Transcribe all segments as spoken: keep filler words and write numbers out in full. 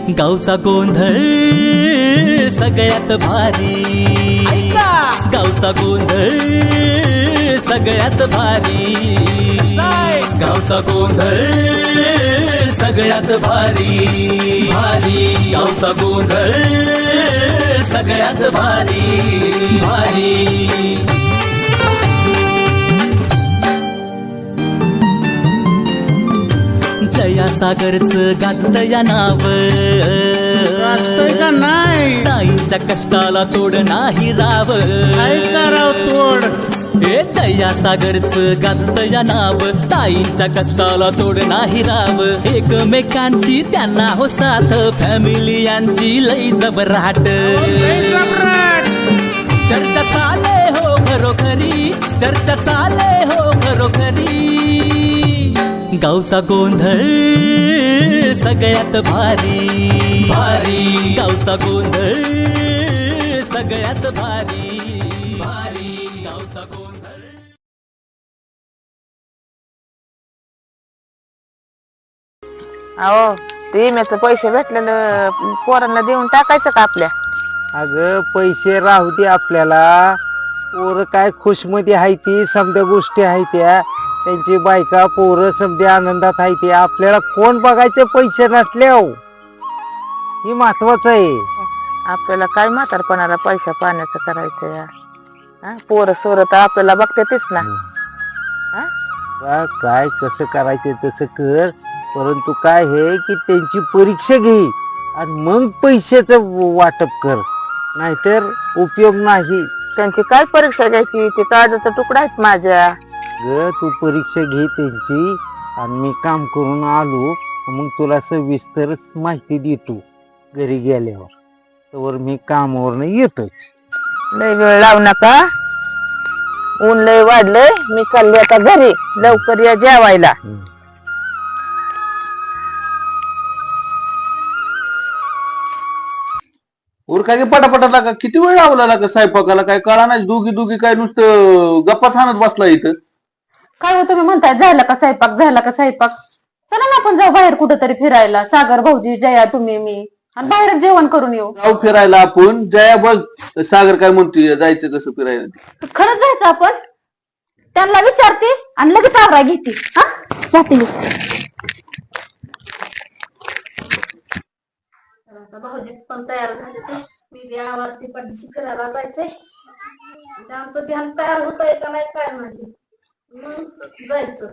गावचा गोंधळ सगळ्यात भारी, गावचा गोंधळ सगळ्यात भारी, गावचा गोंधळ सगळ्यात भारी भारी, गावचा गोंधळ सगळ्यात भारी भारी। जया सागरचं गाजतं या नाव, गाजतंय का नाही? ताईंच्या कष्टाला तोड नाही राव, काय राव तोड? हे जया सागरचं गाजतं या नाव, ताईंच्या कष्टाला तोड नाही राव, एकमेकांची त्यांना हो साथ, फॅमिली यांची लई जबराट, चर्चा चाले हो खरोखरी, चर्चा चाले हो खरोखरी, गावचा गोंधळ सगळ्यात भारी भारी, गावचा गोंधळ सगळ्यात भारी भारी, गावचा गोंधळ। अहो ते विम्याचं पैसे भेटलेलं पोरांना देऊन टाकायचं का आपल्या? अगं पैसे राहू दे आपल्याला, पोरं काय खुशमती आहे ती, समध्या गोष्टी आहे त्या, त्यांची बायका पोरं समध्या आनंदात आहे ते, आपल्याला कोण बघायचे पैसे नसले हो, ही महत्वाचं आहे। आपल्याला काय म्हातारपणाला पैसा पाण्याचं करायचं या, पोरं सोरं तर आपल्याला बघतेच ना। बा, काय कसं करायचं तसं कर, परंतु काय हे की त्यांची परीक्षा घे आणि मग पैशाचं वाटप कर, नाहीतर उपयोग नाही। त्यांची काय परीक्षा घ्यायची, ते काळजाचा तुकडा आहेत माझ्या। ग तू परीक्षा घे त्यांची, आणि मी काम करून आलो मग तुला सविस्तर माहिती देतो घरी गेल्यावर, तर मी कामावर येतोच। लय वेळ लावू नका, ऊन लय वाढलंय, मी चालली आता घरी, लवकर या जेवायला। उर काय पटापटा लागा, किती वेळ लावला लागा स्वयंपाकाला, काय कळा नाही, दोघी दोघी काय नुसतं गप्पा थानत बसला इथं। काय हो तुम्ही म्हणताय झाला का स्वयंपाक, झाला का स्वयंपाक? चला ना आपण जाऊ बाहेर कुठेतरी फिरायला, सागर भाऊजी, जया, तुम्ही, मी, आणि बाहेर जेवण करून येऊ। जाऊ फिरायला आपण, जया बघ सागर काय म्हणतोय, जायचं कसं फिरायला? खरंच जायचं आपण? त्यांना विचारते आणि लगेच आवरा घेते। हा जाते मी। भाऊजी पण तयार झाले, मी बी आवारती पडशी फिरायला जायचंय, आमचं ध्यान तयार होत आहे का नाही काय माहिती, मग जायचं।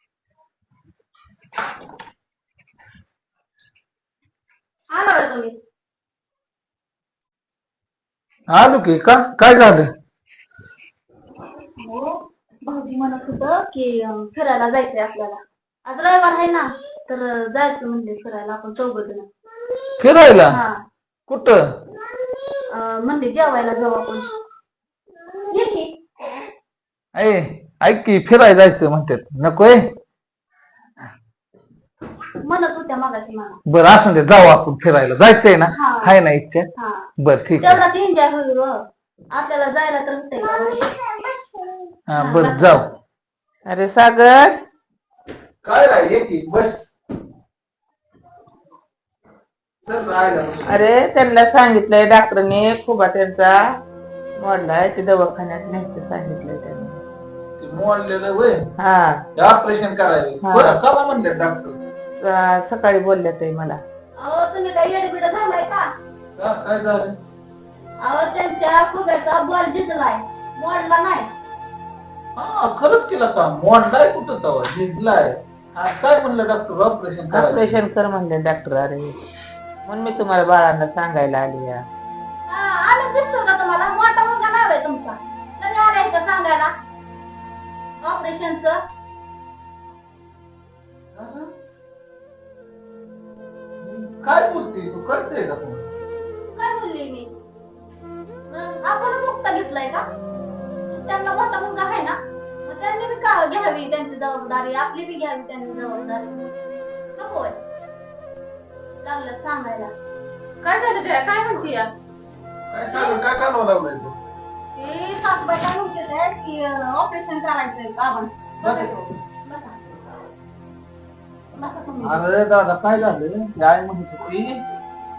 आला का तुम्ही? आलो की, का काय झालं? हो, भाऊजी म्हणत होतं की फिरायला जायचंय आपल्याला, आज रविवार आहे ना, तर जायचं म्हणजे फिरायला आपण चौघजण। फिरायला? हा, कुठं? म्हणजे जेवायला जाऊ आपण, ये की। ऐ ऐक की, फिरायला जायचं म्हणतात, नकोय? म्हणत होत्या मगाशी मला। बरं असू दे, जाऊ आपण फिरायला, जायचंय ना, हा. आहे ना इच्छा? हा, बर ठीक आहे, तेवढाच एन्जॉय होईल हो. आपल्याला जायला तर होतंय का? हा बर जाऊ। अरे सागर, काय राय, ये की बस। अरे त्यांना सांगितलंय डॉक्टरने, खुबा त्यांचा मोडलाय, ते दवाखान्यात न्यायचं सांगितलंय त्यांनी। मोडलेलं वय हा, ऑपरेशन करायचं, बरं कवा म्हणले डॉक्टर? स- सकाळी बोलल्या ते मला। अहो तुम्ही काही येडबिड झालाय का? का काय झालं? अहो त्यांच्या खुब्याचा बॉल जिजलाय, मोडला नाही। हा खरंच केलं का? मोडलाय कुठं तवा, झिजलाय? हा, काय म्हणलं डॉक्टर, ऑपरेशन करायचं? ऑपरेशन कर म्हणले डॉक्टर। अरे म्हणून मी तुम्हाला बाळांना सांगायला आली या। आलं दिसतो का तुम्हाला? मोठा मुलगा नाही होय तुमचा, तरी आलाय का सांगायला ऑपरेशनचं? काय बोलते तू, कळतंय का तुला? काय बोलली मी? मग आपण मुक्त घेतलाय का? त्यांना मोठा मुलगा आहे ना, मग त्यांनी बी का घ्यावी त्यांची जबाबदारी, आपली बी घ्यावी त्यांनी जबाबदारी, नकोय लागलं सांगायला। काय झालं जया, काय म्हणते या? काय सांगू, काय कालवा लावलाय तू? हे सासूबाई काय म्हणते की ऑपरेशन करायचंय बाबांचं। अरे दादा काय झालं, आई म्हणत होती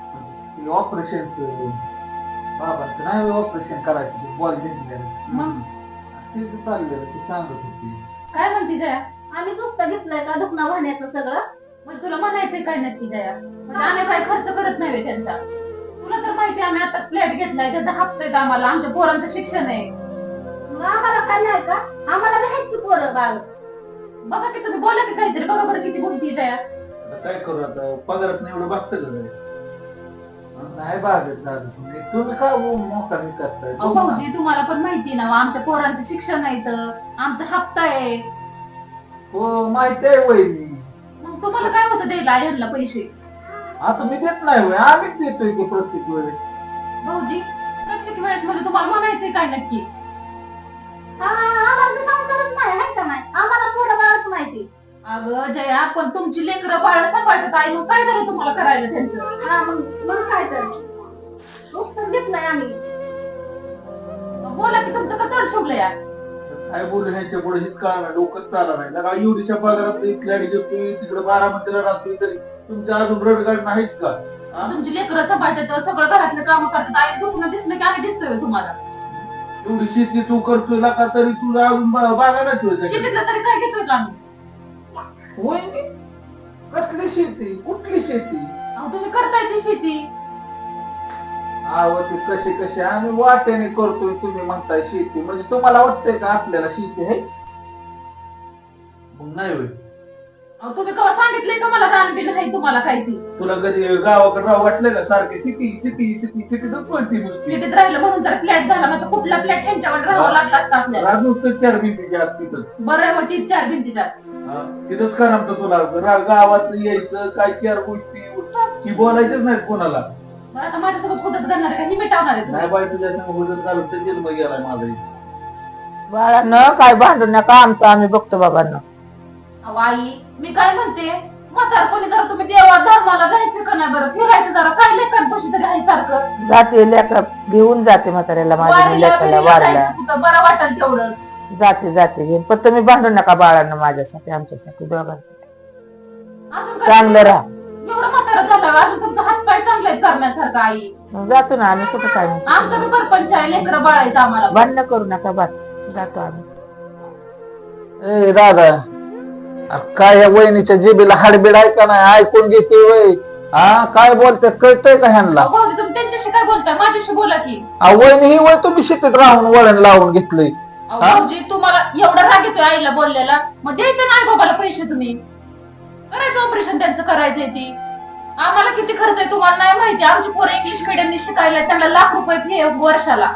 ऑपरेशनचं बाबांचं नाही ऑपरेशन करायचं बॉल दिसलेलं मग ते चाललेलं ते सांगत होती. काय म्हणते जया आम्ही दुखता घेतलंय का दुखणं वाहण्याचं सगळं म्हणजे तुला म्हणायचंय काय नक्की जया म्हणजे आम्ही काय खर्च करत नाही त्यांचा तुला तर माहिती आम्ही आताच फ्लॅट घेतलाय त्याचा हप्ता आहे आम्हाला आमच्या पोरांचं शिक्षण आहे मग आम्हाला काय नाही का आम्हाला नाही की पोरं बाळ बघा की तुम्ही बोला की काहीतरी बघा बरं किती बोलती जया आता काय करू आता पगारात नाही एवढं बघतं का काय? नाही बागत दादा तुम्ही तुम्ही का मोकामी करताय अहो भाऊजी तुम्हाला पण माहिती ना आमच्या पोरांचं शिक्षण आहे तर आमचा हप्ता आहे हो माहिती आहे वहिनी मग तुम्हाला काय होतं द्यायला यांना पैसे आता मी देत नाही होय आम्हीच देतोय की प्रत्येक वेळेस भाऊजी प्रत्येक वेळेस म्हणजे तुम्हाला म्हणायचंय काय नक्की हा आम्हाला मी सांगतच नाही आहे का नाही आम्हाला पोरं बाळच माहिती अगं जया पण तुमची लेकरं बाळ सांभाळतात आई मग काय झालं तुम्हाला करायला त्यांचं हा मग मग काय तर दुखतं घेतलंय आम्ही बोला की तुमचं का तोंड शुभलं या काय बोलू ह्यांच्या पुढे हेच कळणार डोकंच चालला नाही लगा एवढीच्या पगारात फ्लॅट घेतोय तिकडे बारामतीला राहतोय तरी तुमच्या अजून रडगाड नाहीच का हा? तुमची लेकरं सांभाळतात सगळं घरातलं काम करतात आई दुखणं दिसलं की आम्ही दिसतोय तुम्हाला एवढी शेती तू करतोय का तरी तुला अजून बागायलाच होय शेतीतलं तरी काय घेतोय का आम्ही वहिनी कसली शेती कुठली शेती अहो तुम्ही करताय ती शेती आव ते कसे कसे आम्ही वाट्याने करतोय तुम्ही म्हणताय शेती म्हणजे तुम्हाला वाटतंय का आपल्याला शेती आहे मग नाही होय अहो तुम्ही केव्हा सांगितलंय का मला रान बिन आहे तुम्हाला काय ती तुला कधी गावाकडे राव वाटलं का सारखे सिटी सिटी सिटी सिटीतच बोलती नुसती सिटीत राहिलं म्हणून तर फ्लॅट झाला नाही तर कुठला फ्लॅट यांच्यावर राहावं लागला असता आपल्याला राज नुसतं चार भिंतीच्या आत तिथं बरं आहे मग तीच चार भिंतीच्या हा, तिथंच का नमतं तुला रा- गावात यायचं काय चार गोष्टी की बोलायचंच नाही कोणाला बरं आता माझ्यासोबत खुदत करणार आहे का ही मिटावणार आहे तुम्ही? नाही बाई तुझ्या संग हुजत घालून तर जन्म गेलाय माझा बाळांनो काय भांडू नका आमचं आम्ही बघतो बाबांना अहो आई मी काय म्हणते म्हातारपणी जरा तुम्ही देवा धर्माला जायचं का नाही बरं फिरायचं जरा काय लेखांपाशी तरी आहे सारखं जाते लेखा घेऊन जाते म्हाताऱ्याला माझ्या वारीला लेखाला बिरीला वारला जायचं कुठं बरं वाटेल तेवढंच जाते जाते घेऊन पण तुम्ही भांडू नका बाळांना माझ्यासाठी आमच्यासाठी दोघांसाठी अजून काय चांगलं राहा एवढं म्हातारं झालं अजून तुमचा हात पाय चांगला आहे करण्यासारखं आई मग जातो ना आम्ही कुठं काय म्हणतो. आमचं बी परपंच आहे लेकरं बाळायचं आम्हाला भांडणं करू नका बस जातो आम्ही ए दादा अरे काय या वहिनीच्या जिबीला हाडबीड आहे का नाही ऐकून घेते वय हा काय बोलतात कळतंय का ह्यांना अहो, भाऊजी तुम्ही त्यांच्याशी काय बोलताय माझ्याशी बोला की अहो, वहिनी ही वय तुम्ही शेतीत राहून वळण लावून घेतलंय अहो, भाऊजी तुम्हाला एवढा राग येतोय आईला बोललेला मग द्यायचं नाही बाबाला पैसे तुम्ही करायचं ऑपरेशन त्यांचं करायचंय ती आम्हाला किती खर्च आहे तुम्हाला नाही माहिती आमची पोरं इंग्लिश मिडियमने शिकायला त्यांना लाख रुपये फी आहे वर्षाला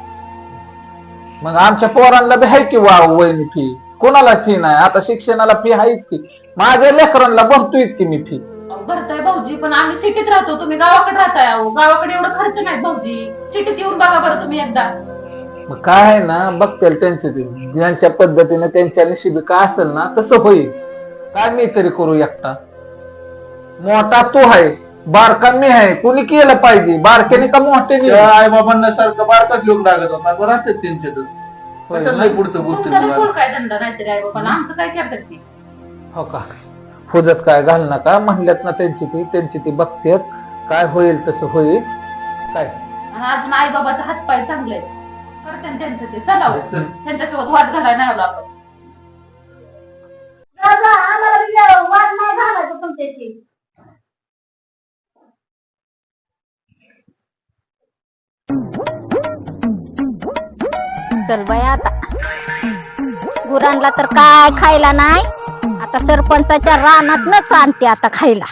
मग आमच्या पोरांना बी आहे की वा वहिनी फी कोणाला फी नाही आता शिक्षणाला फी आहेच की माझ्या लेकरांना भरतोय की मी फी अहो, भरताय भाऊजी पण आम्ही सिटीत राहतो तुम्ही गावाकडे राहताय अहो गावाकडे एवढं खर्च नाही भाऊजी सिटीत येऊन बघा बरं तुम्ही एकदा मग काय आहे ना बघतील त्यांचे ते ज्यांच्या पद्धतीने त्यांच्या नशिबी काय असेल ना तसं होईल काय मी तरी करू एकटा मोठा तू आहे बारका मी आहे कोणी केलं पाहिजे बारक्याने का मोठ्याने आई बाबांना सारखं बारकाच लोक लागत होता बरं त्यांच्यातच पुढचं तुमचा बी पोर काय धंदा नाहीतरी आहे बाबा आमचं काय करतात ती हो का हुजत काय घाल नका म्हणल्यात ना त्यांची ती त्यांची ती बघतेत काय होईल तसं होईल काय आणि अजून आई बाबाचा हात पाय चांगले आहेत करते त्यांचं ते चला हो. त्यांच्यासोबत वाद घालायला नाही आलो आपण दादा आम्हाला बी या वाद नाही घालायचं तुमच्याशी चल बाई आता गुरांना तर काय खायला नाही आता सरपंचाच्या रानातनच आणते आता खायला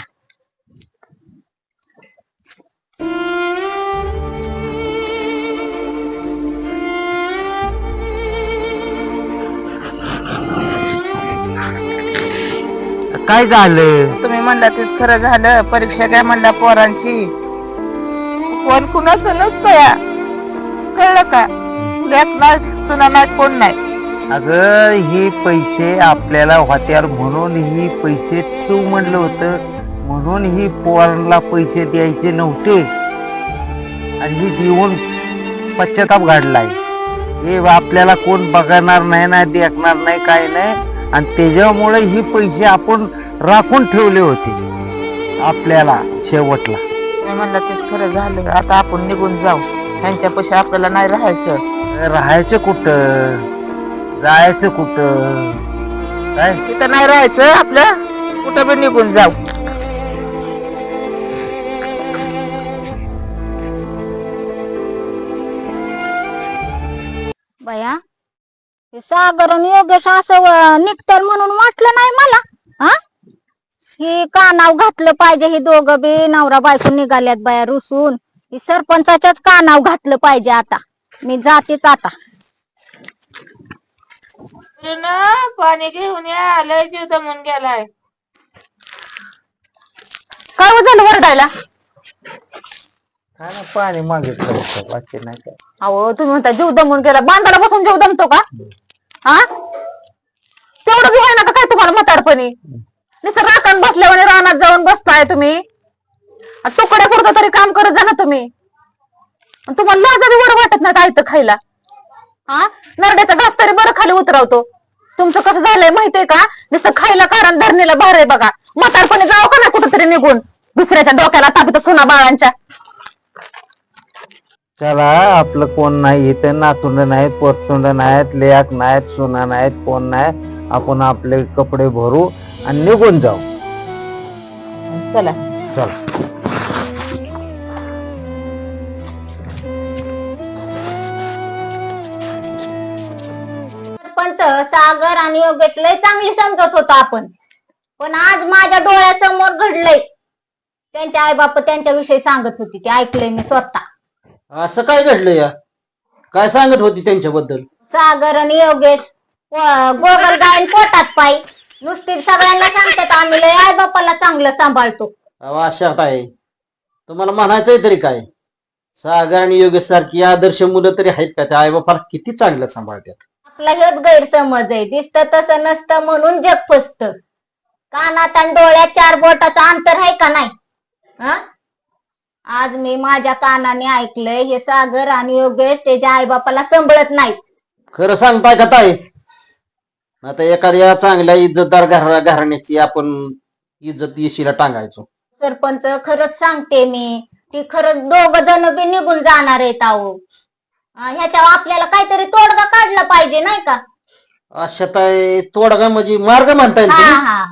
काय झालं तुम्ही म्हणला तेच खरं झालं परीक्षा द्या म्हणला पोरांची कोण कुणाचं नसतं या कळलं का लेक नाही सुना नाही कोण नाही अगं हे पैसे आपल्याला होत्यार म्हणून ही पैसे तू म्हणलं होतं म्हणून ही पोरांना पैसे द्यायचे नव्हते आणि ही देऊन पश्चाताप घडलाय हे आपल्याला कोण बघणार नाही ना देखणार नाही काय नाही आणि त्याच्यामुळे ही पैसे आपण राखून ठेवले होते आपल्याला शेवटला तुम्ही म्हणला ते खरं झालं. आता आपण निघून जाऊ. ह्यांच्यापाशी आपल्याला नाही राहायचं. राहायचं कुठं, जायचं कुठं, काय तिथं नाही राहायचं, आपलं कुठं बी निघून जाऊ. बया हे सागर आणि योगेश असं व- निघतील म्हणून वाटलं नाही मला. हा ही कानाव घातलं पाहिजे, ही दोघं बी नवरा बायको निघाल्यात बाया रुसून. ही सरपंचाच्याच कानाव घातलं पाहिजे. आता मी जातेच आता. ना पाणी घेऊन या, लय जीव दमून गेलाय. काय हो झालं वरडायला? काय ना पाणी मागितलं होतं, बाकी नाही काय. अहो तुम्ही म्हणता जीव दमून गेला, बांधाला बसून जीव दमतो का? हा तेवढं बी आहे ना का काय तुम्हाला म्हातारपणी? नुसतं राखण बसल्यावर रानात जाऊन बसताय तुम्ही. तुकड्या पुरतं तरी काम करत जा ना तुम्ही. आणि तुम्हाला लाजा बी बरं वाटत नाही आयतं खायला. हा नरड्याचा घास तरी बरं खाली उतरवतो. तुमचं कसं झालंय माहितीये का? नुसतं खायला कारण धरणीला भार आहे बघा. म्हातारपणी जावं का नाही कुठेतरी निघून, दुसऱ्याच्या डोक्याला तापित सुना बाळांच्या. चला आपलं कोण नाही इथे, नातुंड नाहीत, पोतुंड नाहीत, लेक नाहीत, सोना नाहीत, कोण नाही. आपण आपले कपडे भरू आणि निघून जाऊ. चला. चला. सरपंच सागर आणि योगेश लय चांगली समजत होतो आपण, पण आज माझ्या डोळ्यासमोर घडलंय. त्यांचे आई बाप त्यांच्याविषयी सांगत होती, ते ऐकलंय मी स्वतः. असं काय घडलं या? काय सांगत होती त्यांच्याबद्दल? सागर आणि योगेश व- गोगल गायन पोटात पाय नुसती सगळ्यांना सांगतात आम्ही लय आई बापाला चांगलं सांभाळतो. अहो, अशा काय तुम्हाला म्हणायचंय तरी काय? सागर आणि योगेश सारखी आदर्श मुलं तरी आहेत का? त्या आई बापाला किती चांगलं सांभाळतात. आपला हेच गैरसमज आहे, दिसतं तसं नसतं म्हणून जग फसत. कानात आणि डोळ्यात चार बोटाचं अंतर आहे का नाही? हा आज मी माझ्या कानाने ऐकलंय, हे सागर आणि योगेश त्याच्या आई बापाला सांभाळत नाहीत. खरं सांगताय का ताई? आता एखाद्या चांगल्या इज्जतदार घरा घराण्याची आपण इज्जत येशीला टांगायचो. सरपंच खरंच सांगते मी, ती खरंच दोघ जण बी निघून जाणार आहेत. अहो ह्याच्यावर आपल्याला काहीतरी तोडगा काढला पाहिजे नाही का? अशा ताई तोडगा म्हणजे मार्ग म्हणता येईल हा तुम्ही? हा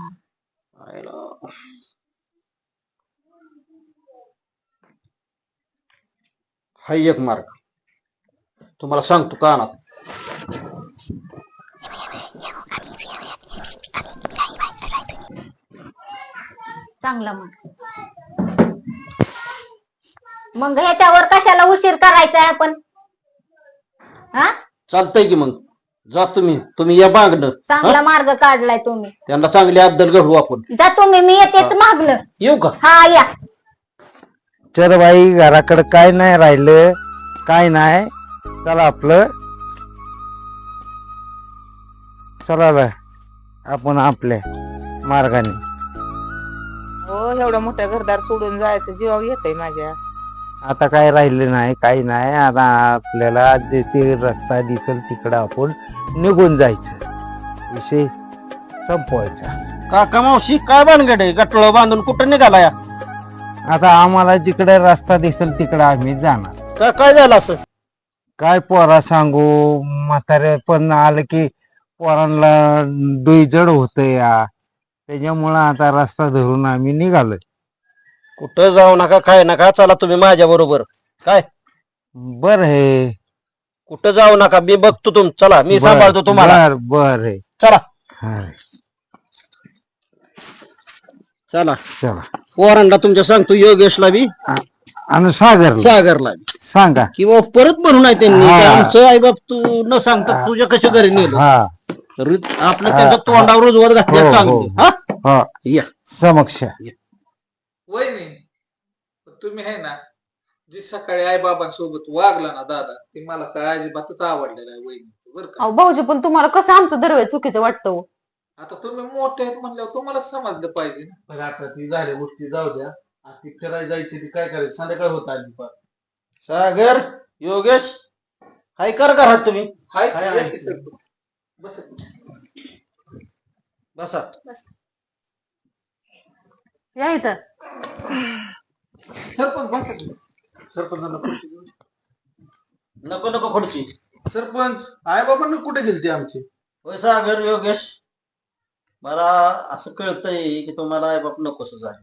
हा एक मार्ग तुम्हाला सांगतो कानात. चांगला मग मग ह्याच्यावर कशाला उशीर करायचा आहे आपण? हा चालतंय की मग जा तुम्ही तुम्ही या मागणं. चांगला मार्ग काढलाय तुम्ही. त्यांना चांगली अद्दल घडवू आपण. जा तुम्ही, मी येतेच मागणं. येऊ का? हा या. चल बाई, घराकडे काय नाही राहिलं, काय नाही. चला आपलं, चला बाय, आपण आपल्या मार्गाने. हो एवढं मोठं घरदार सोडून जायचं जीवावर येतंय माझ्या. आता काय राहिलं नाही, काही नाही. आता आपल्याला जे ते रस्ता दिसेल तिकडं आपण निघून जायचं, विषय संपवायचा. काका मावशी काय भानगड आहे? गटळ बांधून कुठं निघाला या? आता आम्हाला जिकडे रस्ता दिसेल तिकडे आम्ही जाणार. का काय झालं असं? काय पोरा सांगू, म्हातारे पण आलं की पोरांना डोईजड होत या, त्याच्यामुळं आता रस्ता धरून आम्ही निघालोय. कुठं जाऊ नका, काय नका, चला तुम्ही माझ्या बरोबर. काय बर हे कुठं जाऊ नका, मी बघतो तुम. चला मी सांभाळतो तुम्हाला. बर बर हे चला हा, चला चला. पोरांना तुमच्या सांगतो, योगेशला बी आणि सागर सागरला बी. सांगा. किंवा परत म्हणून आहे त्यांनी हा. की आमचं आई बाप तू न सांगता तुझ्या कशा घरी नेलं. हा रि- आपलं त्यांच्या तोंडावर रुजवत हो, घातल्या हो. चांगलं. हा हा या समक्ष. वहिनी तुम्ही आहे ना, जी सकाळी आई बाबांसोबत वागला ना दादा, ते मला काय अजिबातच आवडलेलं आहे वहिनीचं बरं का. अहो भाऊजी पण तुम्हाला कसं आमचं दरवेळ चुकीचं वाटतं हो? आता तुम्ही मोठे आहेत म्हणल्यावर तुम्हाला समजलं पाहिजे ना. बघा आता ती झाल्या गोष्टी जाऊ द्या. आता ती फिरायला जायची, ती काय करायची, संध्याकाळ होत आली पार. सागर योगेश हाय कर घरात तुम्ही. हाय हाय, या हाय. की सर. बस बसा. या इथं. सरपंच बसा की. सरपंचांना खुर्ची देऊ. नको नको खुर्ची. सरपंच आई बाबांना कुठे गेलते आमचे? होय सागर योगेश, मला असं कळतंय की तुम्हाला आई बाप नकोसच आहे.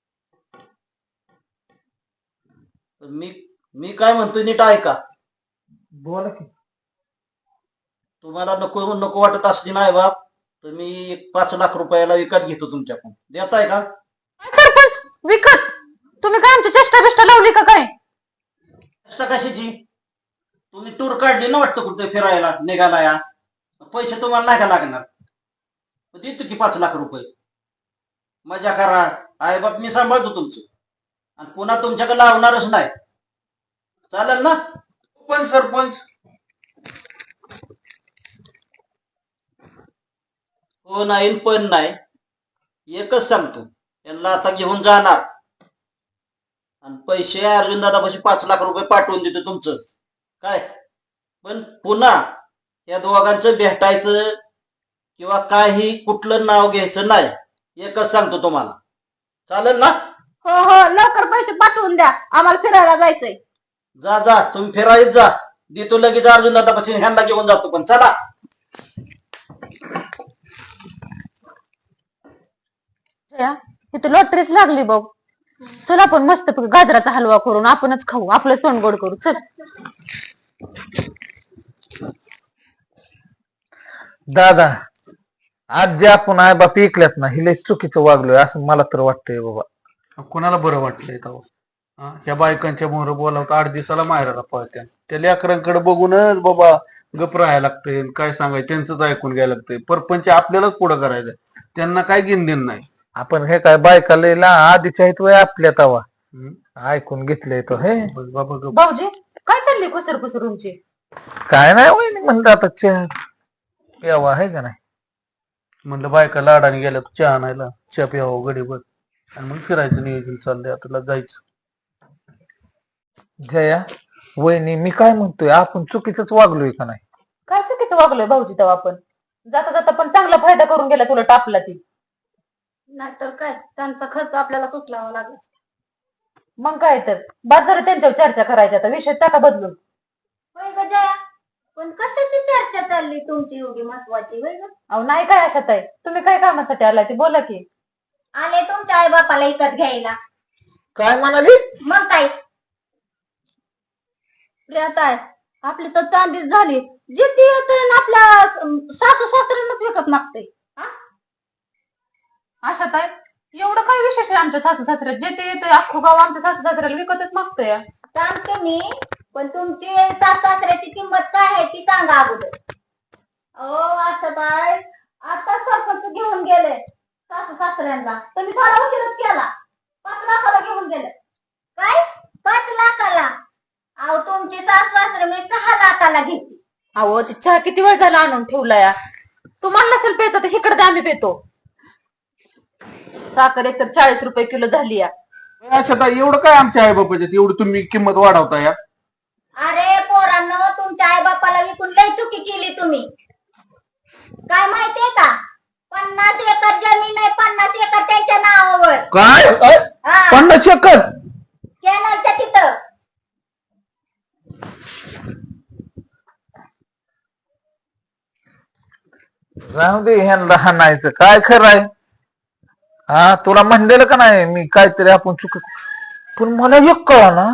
तर मी मी काय म्हणतोय नीट ऐका. बोला की. तुम्हाला नको नको वाटत असली नाही बाप तर मी एक पाच लाख रुपयाला विकत घेतो तुमच्याकडून. देताय का? सरपंच विकत? तुम्ही काय आमची चेष्टा बिष्टा लावली का काय? चेष्टा कशाची? तुम्ही टूर काढली ना वाटतं कुठे फिरायला निघाला या, पैसे तुम्हाला नाही का लागणार? देतो की पाच लाख रुपये. मजा करा, आई बाप मी सांभाळतो तुमचं आणि पुन्हा तुमच्याकडे लावणारच नाही. चालेल ना? पण सरपंच हो नाही न पण नाही, एकच सांगतो, यांना आता घेऊन जाणार आणि पैसे अर्जुन दादापाशी पाच लाख रुपये पाठवून देतो तुमचं काय. पण पुन्हा या दोघांचं भेटायचं किंवा काही कुठलं नाव घ्यायचं नाही, एकच सांगतो तुम्हाला. चालेल ना? हो हो लवकर पैसे पाठवून द्या, आम्हाला फिरायला जायचंय. जा जा तुम्ही फिरायला जा, देतो लगेच अर्जुन दादापाशी, ह्यांना घेऊन जातो. पण चला. इथं लॉटरीच लागली बघ. चल आपण मस्त गाजराचा हलवा करून आपणच खाऊ, आपलंच तोंड गोड करू. चल. दादा, आज जे आपण आई बाप ऐकल्यात ना, हिले चुकीचं वागलोय असं मला तर वाटतंय बाबा. कोणाला बरं वाटलंय तेव्हा? हा, ह्या बायकांच्या मोहर बोलावतं आठ दिवसाला माहेराला पळत्या. त्या लेकरांकडे बघूनच बाबा गप राहायला लागतंय. काय सांगायचं, त्यांचंच ऐकून घ्यायला लागतंय. परपंच आपल्यालाच पुढं करायचंय, त्यांना काय घेणं नाही. आपण हे काय बायका लयला आधीच्या आहेत वय आपल्या तवा ऐकून घेतलंय तो हे बाबा गप. भाऊजी काय चालली कुसर कुसर तुमची? काय नाही वय म्हणलं आता चहा प्यावा आहे का नाही. म्हणलं बायका लाडाने गेल्या चहा आणायला, चहा प्यावं गडीभर आणि मग फिरायचं नियोजन चाललंय. आता जायचं. जया वहिनी, मी काय म्हणतोय, आपण चुकीचंच वागलोय का नाही? काय चुकीचं वागलोय भाऊजी तेव्हा आपण? जाता जाता पण चांगला फायदा करून गेला तुला टापला ती. नाहीतर काय, त्यांचा खर्च आपल्याला उचलावा लागला. मग काय तर बाद झालं त्यांच्यावर चर्चा करायची, आता विषय टाका बदलून. होय ग जया, पण कशाची चर्चा चालली तुमची एवढी महत्वाची? होय ग. अहो नाही काय अशात आहे, तुम्ही काय कामासाठी आलाय ते बोला की. आले तुमच्या आई बापाला विकत घ्यायला. काय म्हणाली? मग काय प्रियाताई, आपली तर चांदीच झाली. जिथे येतोय ना आपल्या सासू सासऱ्यांनाच विकत मागते. अशात आहे एवढं काय विशेष आहे आमच्या सासू सासऱ्यात? जे ते येतोय अख्खं गाव आमच्या सासू सासऱ्याला विकतच मागतोय. सांगते मी, पण तुमची सासू सासऱ्याची किंमत काय आहे ती सांगा अगोदर. अहो असं काय, आता सरपंच घेऊन गेले सासू सासऱ्यांना, तुम्ही थोडा उशीरच केला. पाच लाखाला घेऊन गेले. काय पाच लाखाला? अहो तुमची सासू सासरे मी सहा लाखाला घेतली. अहो ते चहा किती वेळ झाला आणून ठेवलाय. तुम्हाला नसेल प्यायचं तर इकडे आम्ही पितो. साखर एक तर चाळीस रुपये किलो झाली या. अशा एवढं काय आमच्या आई बापाच्यात एवढी तुम्ही किंमत वाढवता या? अरे पोरांनो, तुमच्या आई बापाला विकून लय चुकी केली तुम्ही. काय माहितीये का, पन्नास एकर जमीन आहे, पन्नास एकर त्यांच्या नावावर. काय हा, पन्नास एकर? कॅनलच्या तिथं. राहू दे, ह्यांना हाणायचं काय खरं आहे? हा, तुला म्हणलेलं का नाही मी काहीतरी आपण चुक, पण मला एक कळा ना,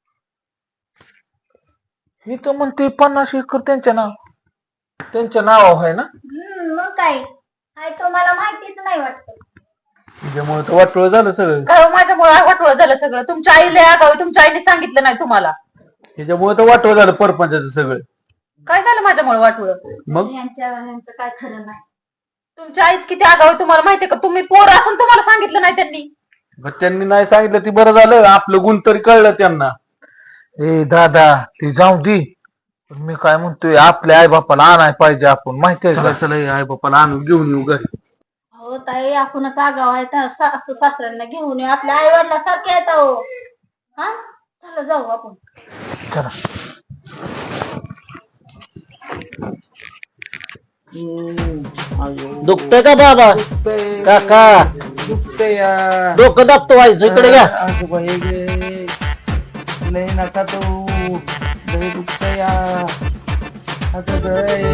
मी तर म्हणते पन्नास एकर त्यांच्या नाव त्यांच्या नाव आहे ना. हम्म, मग काय काय तुम्हाला माहितीच नाही वाटत. त्याच्यामुळे तर वाटोळ झालं सगळं. काय माझ्यामुळे वाटोळ झालं सगळं? तुमच्या आईला आगावी, तुमच्या आईने सांगितलं नाही तुम्हाला? त्याच्यामुळे तर वाटोळ झालं परपंचाचं सगळं. काय झालं माझ्यामुळे वाटोळ? मग यांच्या यांचं काय खरं नाही. तुमच्या आईच किती आगावी तुम्हाला माहितीये का? तुम्ही पोर असून तुम्हाला सांगितलं नाही त्यांनी. मग त्यांनी नाही सांगितलं ती बरं झालं, आपलं गुण तरी कळलं त्यांना. ए दादा, ती जाऊ दे, पण मी काय म्हणतोय, आपल्या आई बापाला आणाय पाहिजे आपण, माहितीये चला का? चला आई बापाला आणून घेऊन येऊ घरी. हो ताई, आपणच आगाव आहे तर सासू सासऱ्यांना घेऊन येऊ. आपल्या आई वडिला सारखे येत हो. हा, चला जाऊ आपण. चला. दुखतंय का बाबा? काका दुखतंय या. डोकं दाबतो व्हायचं, इकडे घ्या. आजोबा हे घे. लय नका तो लय दुखतंय आता लय.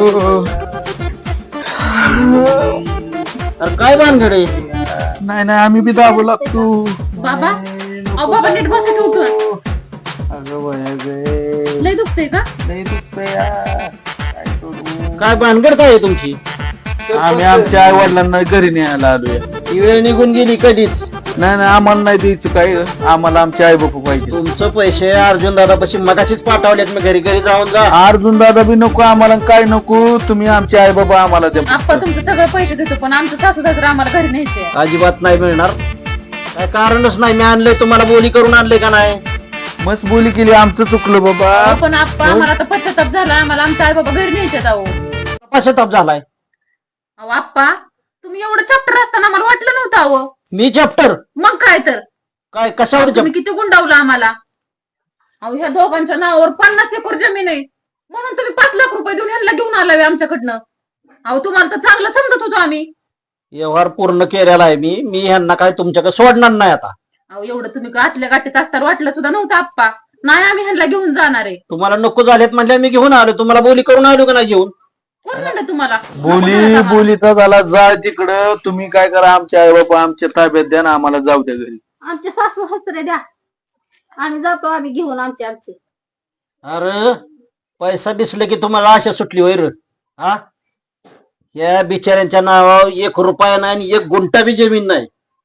अरे काय भानगडे? नाही नाही आम्ही बी दाबू लागतो. बाबा अहो बाबा नीट बसा की उठून. अगं बया गे लय दुखतंय का? लय दुखतंय काय करू? काय भानगड काय आहे तुमची? आम्ही आमच्या आई वडिलांना घरी न्यायला आलोय. ती वेळ निघून गेली कधीच. नाही नाही आम्हाला नाही द्यायचं काय, आम्हाला आमचे आई बापू पाहिजे. तुमचं पैसे अर्जुन दादा पशी मगाशीच पाठवलेत मी घरी घरी जाऊन जा. अर्जुन दादा बी नको आम्हाला, काय नको, तुम्ही आमचे आई बाबा आम्हाला द्या. आप्पा तुमचं सगळं पैसे देतो पण आमचं सासू सासरा आम्हाला घरी न्यायचंय. अजिबात नाही मिळणार. काय कारणच नाही. मी आणलंय तुम्हाला, बोली करून आणलंय का नाही? मस्त बोली केली, आमचं चुकलं बाबा. अहो, पण आप्पा आम्हाला आता पश्चाताप झाला, आम्हाला आमच्या आई बाबा घरी न्यायचे अहो. पश्चाताप झालाय. अहो आप्पा तुम्ही एवढं चॅप्टर असताना आम्हाला वाटलं नव्हतं अहो. मी चॅप्टर मग काय तर काय कशावर तुम्ही किती गुंडावलं आम्हाला. अहो ह्या दोघांच्या नावावर पन्नास एकर जमीन आहे म्हणून तुम्ही पाच लाख रुपये देऊन ह्यांना घेऊन आलाय आमच्याकडनं. अहो तुम्हाला तर चांगलं समजत होतो आम्ही. व्यवहार पूर्ण केलेला आहे मी मी ह्यांना काय तुमच्याकडे सोडणार नाही आता. अहो एवढं तुम्ही गाठल्या गाठीच असताना वाटलं सुद्धा नव्हतं आप्पा. नाही आम्ही ह्यांना घेऊन जाणार आहे. तुम्हाला नको झालेत म्हणल्या मी घेऊन आलो. तुम्हाला बोली करून आलो का नाही घेऊन? कोण म्हणलं तुम्हाला? बोली बोलीचा झाला, जा तिकडं. तुम्ही काय करा, आमचे आई बाबा आमच्या ताब्यात द्या ना, आम्हाला जाऊ द्या घरी. आमचे सासू सासरे द्या, आम्ही जातो, आम्ही घेऊन आमचे आमचे. अरे पैसा दिसले की तुम्हाला आशा सुटली वैर. हा या बिचाऱ्यांच्या नावावर एक रुपया नाही आणि एक गुंठा बी जमीन नाही.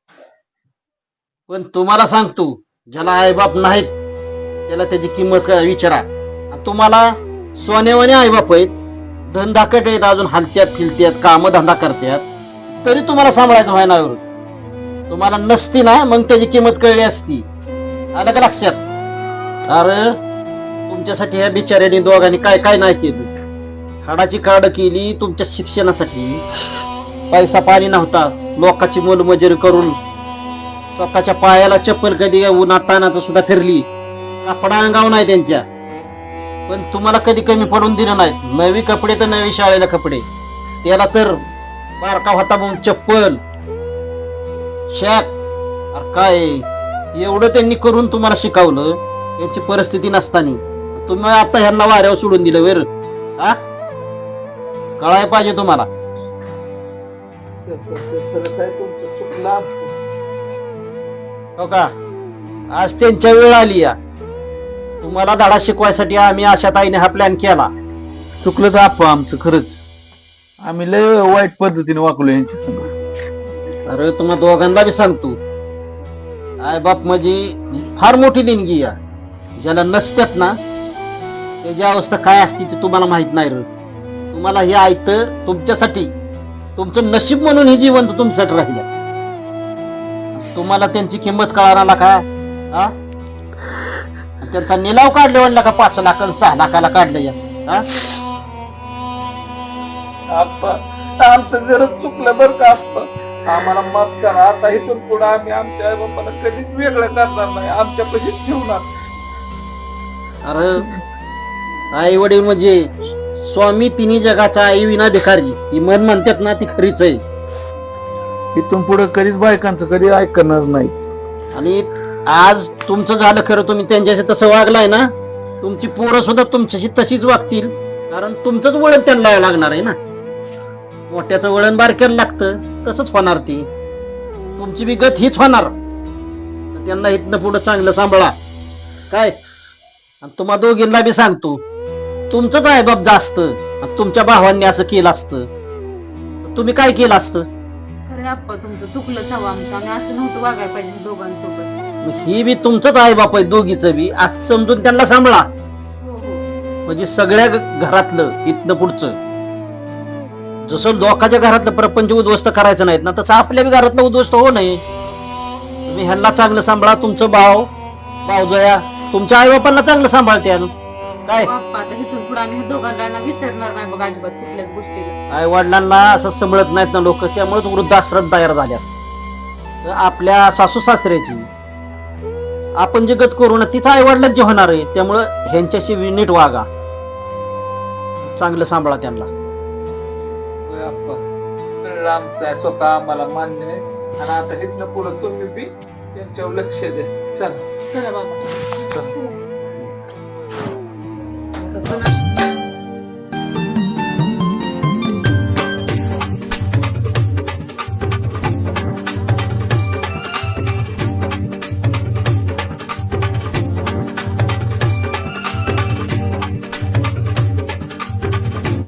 पण तुम्हाला सांगतो, ज्याला आईबाप नाहीत त्याला त्याची किंमत काय विचारा. तुम्हाला सोन्यावाने आईबाप आहेत, धंदाकट आहेत, अजून हलत्यात फिरत्यात, काम धंदा करतात, तरी तुम्हाला सांभाळायचं व्हायना. तुम्हाला नसती ना मग त्याची किंमत कळली असती. आलं का लक्षात? अरे तुमच्यासाठी ह्या बिचाऱ्यांनी दोघांनी काय काय नाही केलं. हाडाची काढ केली तुमच्या शिक्षणासाठी. पैसा पाणी नव्हता, लोकांची मोलमजुरी करून स्वतःच्या पायाला चप्पल कधी उन्हात तानात सुद्धा फिरली. कपडा अंगाव नाही त्यांच्या, पण तुम्हाला कधी कमी पडून दिलं नाही. नवी कपडे तर नवी शाळेला कपडे, त्याला तर बारका होता म्हणून चप्पल शॅक. अरे काय एवढं त्यांनी करून तुम्हाला शिकवलं, यांची परिस्थिती नसताना तुम्ही आता ह्यांना वाऱ्यावर सोडून दिलं वेर. हा कळाय पाहिजे तुम्हाला. चुकलं आमचं. हो का? आज त्यांच्या वेळ आली या. तुम्हाला धडा शिकवायसाठी आम्ही अशा ताईने हा प्लॅन केला. चुकलं तर आप्पा आमचं खरंच. आम्ही लय वाईट पद्धतीने वागलो यांच्या संग. अरे तुम्हा दोघांना बी सांगतो, आय बाप म्हणजे फार मोठी देणगी या. ज्याला नसतात ना त्याची अवस्था काय असते ते तुम्हाला माहित नाही रे. तुम्हाला हे ऐकतं तुमच्यासाठी, तुमचं नशीब म्हणून हे जीवन तुमच्यासाठी राहिलं. तुम्हाला त्यांची किंमत कळणार का? हा त्यांचा निलाव काढले म्हणला का पाच लाख आणि सहा लाखाला काढलं या. हा आप्पा आमचं जरा चुकलं बरं का आप्पा, आम्हाला माफ करा. आता इथून पुढे आम्ही आमच्या आई बापाला कधीच वेगळं करणार नाही, आमच्या पशीच ठेवणार. अरे आई वडील म्हणजे स्वामी तिन्ही जगाचा आई विना भिकारी, ही मन म्हणतात ना ती खरीच आहे. इथून पुढे कधीच बायकांचं कधी ऐकणार नाही. आणि आज तुमचं झालं खरं, तुम्ही त्यांच्याशी तसं वागलाय ना, तुमची पोरं सुद्धा तुमच्याशी तशीच वागतील. कारण तुमचंच वळण त्यांना लागणार आहे ना. मोठ्याचं वळण बारक्याला लागतं, तसंच होणार ती. तुमची बी गत हीच होणार. त्यांना इथनं पुढं चांगलं सांभाळा काय. आणि तुम्हा दोघींना बी सांगतो, तुमचंच आहे बाप जास्त. तुमच्या भावांनी असं केलं असतं तुम्ही काय केलं असतं? खरे आप्पा तुमचं चुकलंच हवं आमचं. आम्ही असं नव्हतं वागायला पाहिजे दोघांसोबत. ही बी तुमचंच आहे बाप आहे दोघीचं बी, असं समजून त्यांना सांभाळा. हो हो म्हणजे सगळ्या ग- घरातलं इथनं पुढचं जसं लोकांच्या घरातलं प्रपंच उद्ध्वस्त करायचं नाहीत ना, तसं आपल्या बी घरातलं उद्ध्वस्त होऊ नये. तुम्ही ह्यांना चांगलं सांभाळा. तुमचं भाव भावजया तुमच्या आई बापांना चांगलं सांभाळते काय. आप्पा आता इथून पुढे आम्ही दोघांना विसरणार नाही बघ अजिबात कुठल्याच गोष्टीला. आई वडिलांना असं सांभाळत नाहीत ना लोक, त्यामुळे वृद्धाश्रम तयार झाल्यात. तर आपल्या सासू सासऱ्याची आपण जे गत करू ना तीच आई वडिलांची होणार आहे. त्यामुळं ह्यांच्याशी नीट वागा, चांगलं सांभाळा त्यांना. होय आप्पा, कळलं आमचं आहे, स्वतः आम्हाला मान्य आहे. आणि आता इथनं पुढे तुम्ही बी त्यांच्यावर लक्ष द्या. चला चला बाबा.